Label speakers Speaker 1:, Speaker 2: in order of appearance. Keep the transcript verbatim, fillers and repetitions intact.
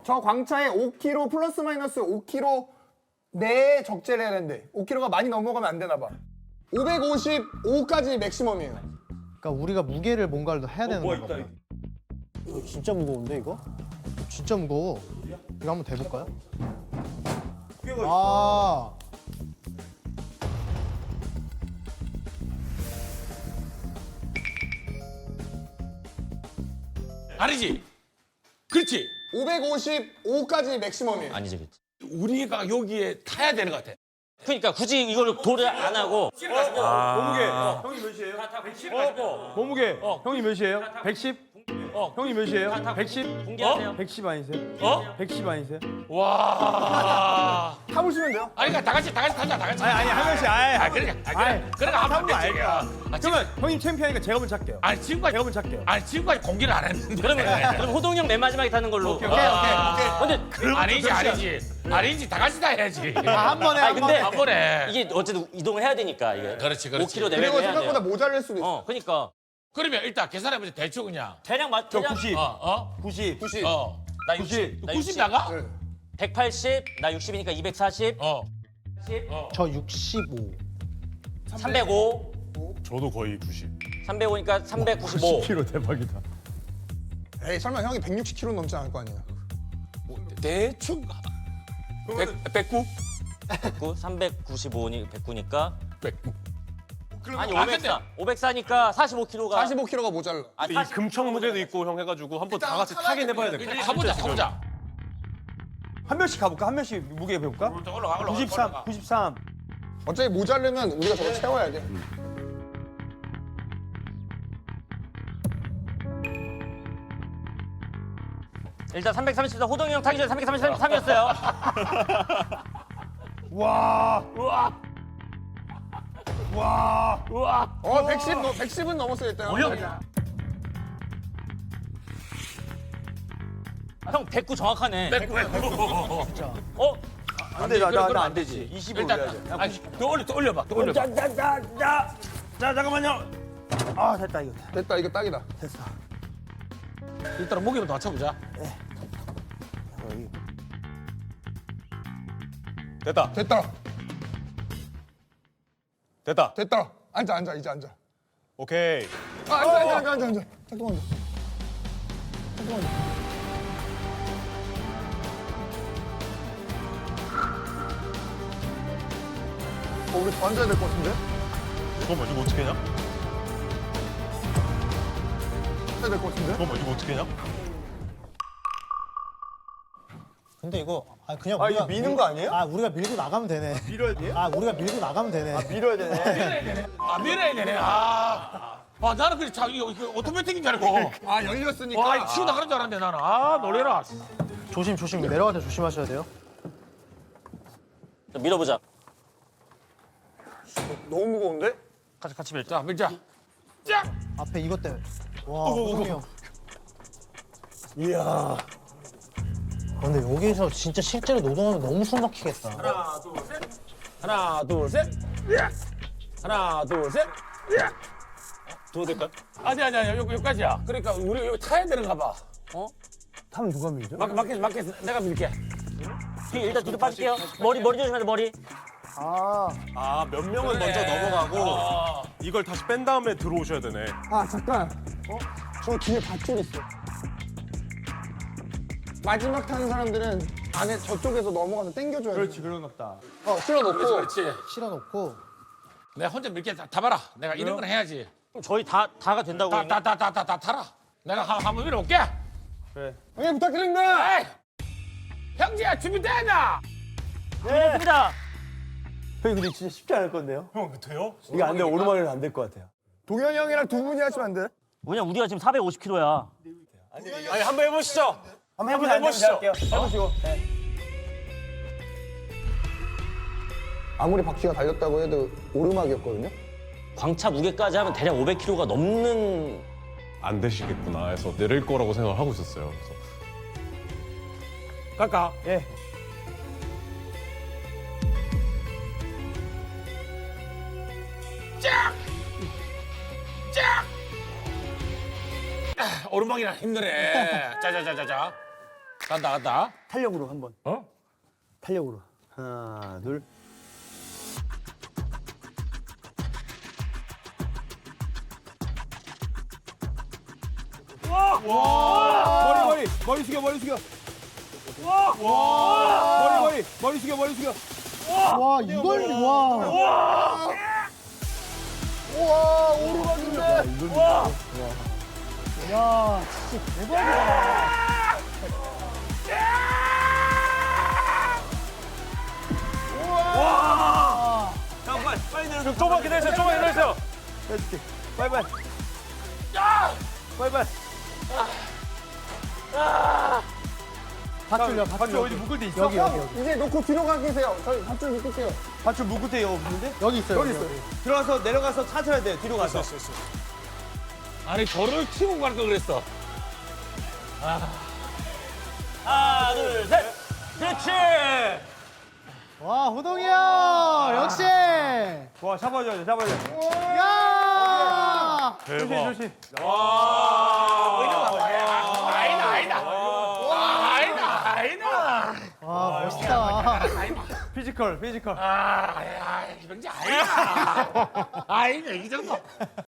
Speaker 1: 저 광차에 오 킬로그램 플러스 마이너스 오 킬로그램 내 적재를 해야 되는데 오 킬로그램가 많이 넘어가면 안 되나 봐. 오백오십오까지 맥시멈이에요.
Speaker 2: 그러니까 우리가 무게를 뭔가를 해야 되는
Speaker 3: 뭐
Speaker 2: 건가 봐.
Speaker 4: 이거 진짜 무거운데 이거?
Speaker 2: 진짜 무거워. 이거 한번 대볼까요? 아,
Speaker 3: 아니지. 그렇지.
Speaker 1: 오백오십오까지 맥시멈이에요.
Speaker 5: 아니지, 그치.
Speaker 3: 우리가 여기에 타야 되는 것 같아.
Speaker 5: 그러니까 굳이 이걸 도를 안 하고
Speaker 6: 몸무게 형이 몇이에요?
Speaker 5: 백십 가지고
Speaker 6: 몸무게 형이 몇이에요? 백십?
Speaker 5: 어.
Speaker 6: 형이 몇이에요? 백십?
Speaker 5: 공개하세요.
Speaker 6: 백십 아니세요?
Speaker 3: 어?
Speaker 6: 백십 아니세요?
Speaker 3: 와.
Speaker 1: 타보시면 돼요.
Speaker 3: 아니, 그러니까 다 같이, 다 같이 타자, 다 같이.
Speaker 6: 아니 아니 한 명씩 아예
Speaker 3: 아, 그러니까. 아, 그래. 그러니까 하면 안 되지. 아, 지금,
Speaker 6: 그러면 형님 챔피언이니까 제가 먼저 할게요.
Speaker 3: 아니, 지금까지,
Speaker 6: 제가 먼저 할게요.
Speaker 3: 아니, 지금까지 공개를 안 했는데.
Speaker 5: 그러면 그럼 호동이 형 맨 마지막에 타는 걸로.
Speaker 6: 오케이,
Speaker 1: 오케이, 오케이, 오케이.
Speaker 5: 근데
Speaker 3: 아니지, 아니지. 아니지, 다 같이 다 해야지.
Speaker 2: 아, 한 번에
Speaker 5: 아니,
Speaker 2: 한
Speaker 5: 근데
Speaker 2: 번에.
Speaker 3: 한 번에.
Speaker 5: 이게 어쨌든 이동을 해야 되니까 이게.
Speaker 3: 그렇지, 그렇지.
Speaker 5: 오 킬로그램
Speaker 1: 그리고
Speaker 5: 내외를 해야
Speaker 1: 생각보다
Speaker 5: 돼요.
Speaker 1: 모자랄 수도 있어.
Speaker 5: 어, 그러니까
Speaker 3: 그러면 일단 계산해보자, 대충 그냥.
Speaker 5: 대략 맞
Speaker 6: 저
Speaker 5: 대략
Speaker 6: 구십,
Speaker 3: 어, 어?
Speaker 6: 구십,
Speaker 1: 구십.
Speaker 3: 어.
Speaker 5: 나 육십, 나
Speaker 3: 구십
Speaker 5: 육십,
Speaker 3: 나가?
Speaker 1: 네.
Speaker 5: 백팔십, 나 육십이니까 이백사십,
Speaker 3: 어.
Speaker 2: 저 육십오.
Speaker 5: 삼백오,
Speaker 7: 저도 거의 구십.
Speaker 5: 삼백오니까 삼백구십오.
Speaker 6: 킬로 대박이다.
Speaker 1: 에이 설마 형이 백육십 킬로그램 넘지 않을 거 아니에요.
Speaker 3: 대충. 백, 백구?
Speaker 5: 백구, 삼백구십오니 백구니까
Speaker 3: 백구.
Speaker 5: 아니
Speaker 3: 아,
Speaker 5: 오백사, 오백사니까 사십오 킬로그램가.
Speaker 1: 사십오 킬로그램가 모자라.
Speaker 5: 아,
Speaker 7: 이
Speaker 5: 사십-
Speaker 7: 금청 무게도 있고 형 해가지고 한번 다 같이 타긴 해봐야 될 것 같아.
Speaker 3: 가보자, 가보자.
Speaker 6: 한 명씩 가볼까? 한 명씩 무게 배울까?
Speaker 3: 올라가, 올라가.
Speaker 6: 구십삼,
Speaker 3: 올라가.
Speaker 6: 구십삼.
Speaker 1: 어차피 모자르면 우리가 저거 채워야 돼.
Speaker 5: 일단 삼백삼십사 호동이 형 타기 전에 삼백삼십삼이었어요.
Speaker 6: 와,
Speaker 3: 우와.
Speaker 6: 와.
Speaker 3: 우와.
Speaker 1: 어 백십, 너 백십은 넘었어요 일단.
Speaker 5: 형 백구 정확하네.
Speaker 3: 백구, 백구.
Speaker 5: 어?
Speaker 6: 안 돼, 나,
Speaker 3: 그럼
Speaker 6: 나,
Speaker 3: 안
Speaker 6: 안 되지. 이십오
Speaker 3: 일단,
Speaker 6: 올려야 돼.
Speaker 3: 아니, 더 올려, 더 올려봐, 더 올려봐.
Speaker 6: 자, 자, 자, 자, 자, 잠깐만요. 아, 됐다 이거.
Speaker 1: 됐다 이거 딱이다.
Speaker 6: 됐어.
Speaker 3: 일단 목이부터 맞춰보자.
Speaker 7: 됐다.
Speaker 1: 됐다.
Speaker 7: 됐다.
Speaker 1: 됐다. 앉아 앉아 이제 앉아.
Speaker 7: 오케이.
Speaker 1: 아 앉아 앉아 앉아 앉아 앉아. 잠깐만. 잠깐만. 어 우리 더 앉아야 될 것 같은데?
Speaker 7: 잠깐만 이거 어떻게 하냐?
Speaker 1: 앉아야 될 것 같은데?
Speaker 7: 잠깐만 이거 어떻게 하냐?
Speaker 2: 근데 이거 아 그냥
Speaker 6: 아,
Speaker 2: 우리가
Speaker 6: 이거 미는 거 아니에요?
Speaker 2: 아 우리가 밀고 나가면 되네.
Speaker 6: 밀어야 돼?
Speaker 2: 아 우리가 밀고 나가면 되네.
Speaker 6: 밀어야 되네.
Speaker 3: 아, 밀어야 되네. 아. 아, 나는 그래, 자, 이거, 이거 오토매틱인 줄 알고.
Speaker 1: 아 열렸으니까.
Speaker 3: 와, 이거 치고 나가는 줄 알았는데, 나는. 아, 놀래라.
Speaker 2: 조심 조심 내려갈 때 조심하셔야 돼요.
Speaker 5: 자, 밀어보자.
Speaker 1: 너무 무거운데?
Speaker 5: 같이 같이 밀자.
Speaker 3: 자, 밀자. 짝!
Speaker 2: 앞에 이것 때문에. 와 호동이 형.
Speaker 6: 이야.
Speaker 2: 아, 근데 여기서 진짜 실제로 노동하면 너무 숨 막히겠다.
Speaker 3: 하나, 둘, 셋. 하나, 둘, 셋. 하나, 둘, 셋.
Speaker 7: 더 될까?
Speaker 3: 아니, 아니, 아니, 여기, 여기까지야. 그러니까 우리 여기 타야 되는가 봐. 어?
Speaker 6: 타면 누가 밀죠?
Speaker 3: 막, 막겠어, 막겠어. 내가 밀게.
Speaker 5: 뒤 일단 뒤로 빠질게요. 머리 머리 조심해야 돼 머리.
Speaker 6: 아,
Speaker 7: 아 몇 명은 먼저 넘어가고
Speaker 3: 어.
Speaker 7: 이걸 다시 뺀 다음에 들어오셔야 되네.
Speaker 1: 아 잠깐. 어? 저 뒤에 밧줄 있어. 마지막 타는 사람들은 안에 저쪽에서 넘어가서 당겨줘야 돼.
Speaker 6: 그렇지, 그런가 보다.
Speaker 1: 어 실어놓고.
Speaker 3: 그렇지, 그렇지.
Speaker 2: 실어놓고
Speaker 3: 내가 혼자 밀게 다, 다 봐라. 내가 이런 건 해야지.
Speaker 5: 그럼 저희 다 다가 된다고.
Speaker 3: 다,
Speaker 5: 그러면?
Speaker 3: 다, 다, 다, 다, 다 타라. 내가 한, 한번 밀어볼게.
Speaker 6: 그래.
Speaker 1: 형님 부탁드립니다.
Speaker 3: 에이! 형제야, 준비됐나?
Speaker 5: 됐습니다.
Speaker 6: 형님 근데 진짜 쉽지 않을 건데요?
Speaker 7: 형 이거 돼요?
Speaker 6: 이게 안 돼, 오르막은 안 될 것 같아요.
Speaker 1: 동현이 형이랑 두 분이 하시면 안 돼?
Speaker 5: 왜냐 우리가 지금 사백오십 킬로그램야.
Speaker 7: 아니 한번 해보시죠.
Speaker 6: 한번 해보자,
Speaker 7: 해보시죠.
Speaker 6: 할게요. 해보시고. 네.
Speaker 1: 아무리 바퀴가 달렸다고 해도 오르막이었거든요.
Speaker 5: 광차 무게까지 하면 대략 오백 킬로그램가 넘는.
Speaker 7: 안 되시겠구나 해서 내릴 거라고 생각을 하고 있었어요. 그래서
Speaker 3: 갈까?
Speaker 6: 예.
Speaker 3: 짝! 짝! 아, 오르막이라 힘드네. 자자자자자. 간다 간다.
Speaker 6: 탄력으로 한번.
Speaker 3: 어?
Speaker 6: 탄력으로. 하나, 둘.
Speaker 3: 머리 머리 머리 숙여 머리 숙여. 머리 머리 머리 숙여 머리 숙여.
Speaker 2: 와 이걸 와.
Speaker 1: 우와 오르막인데.
Speaker 2: 야 진짜 대박이다.
Speaker 6: 잠깐만, 빨리 내려.
Speaker 3: 조금만 기다리세요. 조금만 기다리세요.
Speaker 6: 해줄게. 빨리 빨리. 빨리 빨리.
Speaker 2: 밧줄요
Speaker 6: 밧줄
Speaker 2: 밧줄
Speaker 6: 어디 묶을 데 있어?
Speaker 2: 여기 여기 여기
Speaker 1: 이제 놓고 뒤로 가 계세요. 저희 밧줄 묶을게요.
Speaker 6: 밧줄 묶을 데 없는데?
Speaker 2: 여기 있어요.
Speaker 1: 여기 있어요.
Speaker 6: 들어가서 내려가서 찾아야 돼. 뒤로 가서.
Speaker 3: 아니 저를 치고 갈 걸 그랬어.
Speaker 5: 하나, 둘, 셋. 그렇지.
Speaker 2: 와 호동이 형 역시.
Speaker 6: 와, 잡아줘야 돼. 잡아줘야 돼.
Speaker 2: 야.
Speaker 6: 조심 조심.
Speaker 2: 와 멋있다.
Speaker 6: 피지컬 피지컬.
Speaker 3: 아이는 이 정도.